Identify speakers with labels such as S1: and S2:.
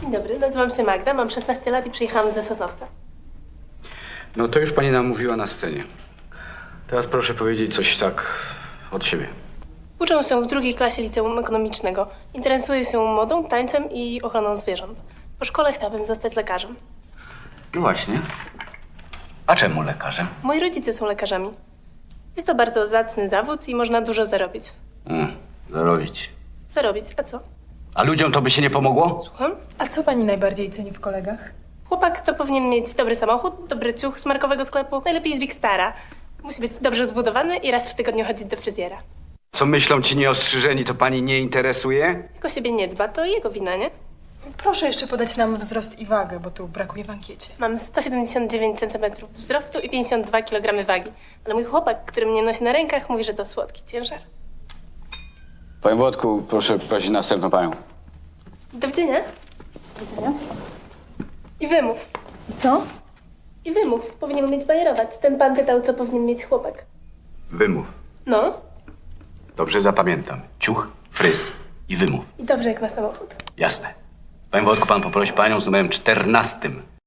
S1: Dzień dobry, nazywam się Magda, mam 16 lat i przyjechałam ze Sosnowca.
S2: No to już pani nam mówiła na scenie. Teraz proszę powiedzieć coś tak od siebie.
S1: Uczę się w drugiej klasie liceum ekonomicznego. Interesuję się modą, tańcem i ochroną zwierząt. Po szkole chciałabym zostać lekarzem.
S2: No właśnie. A czemu lekarzem?
S1: Moi rodzice są lekarzami. Jest to bardzo zacny zawód i można dużo zarobić.
S2: Zarobić.
S1: Zarobić, a co?
S2: A ludziom to by się nie pomogło?
S1: Słucham?
S3: A co pani najbardziej ceni w kolegach?
S1: Chłopak to powinien mieć dobry samochód, dobry ciuch z markowego sklepu, najlepiej z Wikstara. Musi być dobrze zbudowany i raz w tygodniu chodzić do fryzjera.
S2: Co myślą ci nieostrzyżeni, to pani nie interesuje?
S1: Jak o siebie nie dba, to jego wina, nie?
S3: Proszę jeszcze podać nam wzrost i wagę, bo tu brakuje w ankiecie.
S1: Mam 179 cm wzrostu i 52 kg wagi. Ale mój chłopak, który mnie nosi na rękach, mówi, że to słodki ciężar.
S2: Panie Włodku, proszę prosić następną panią.
S1: Do widzenia.
S3: Do widzenia.
S1: I wymów.
S3: I co?
S1: I wymów. Powinien umieć bajerować. Ten pan pytał, co powinien mieć chłopak.
S2: Wymów.
S1: No.
S2: Dobrze zapamiętam. Ciuch, fryz i wymów.
S1: I dobrze, jak ma samochód.
S2: Jasne. Panie Włodku, pan poprosi panią z numerem 14.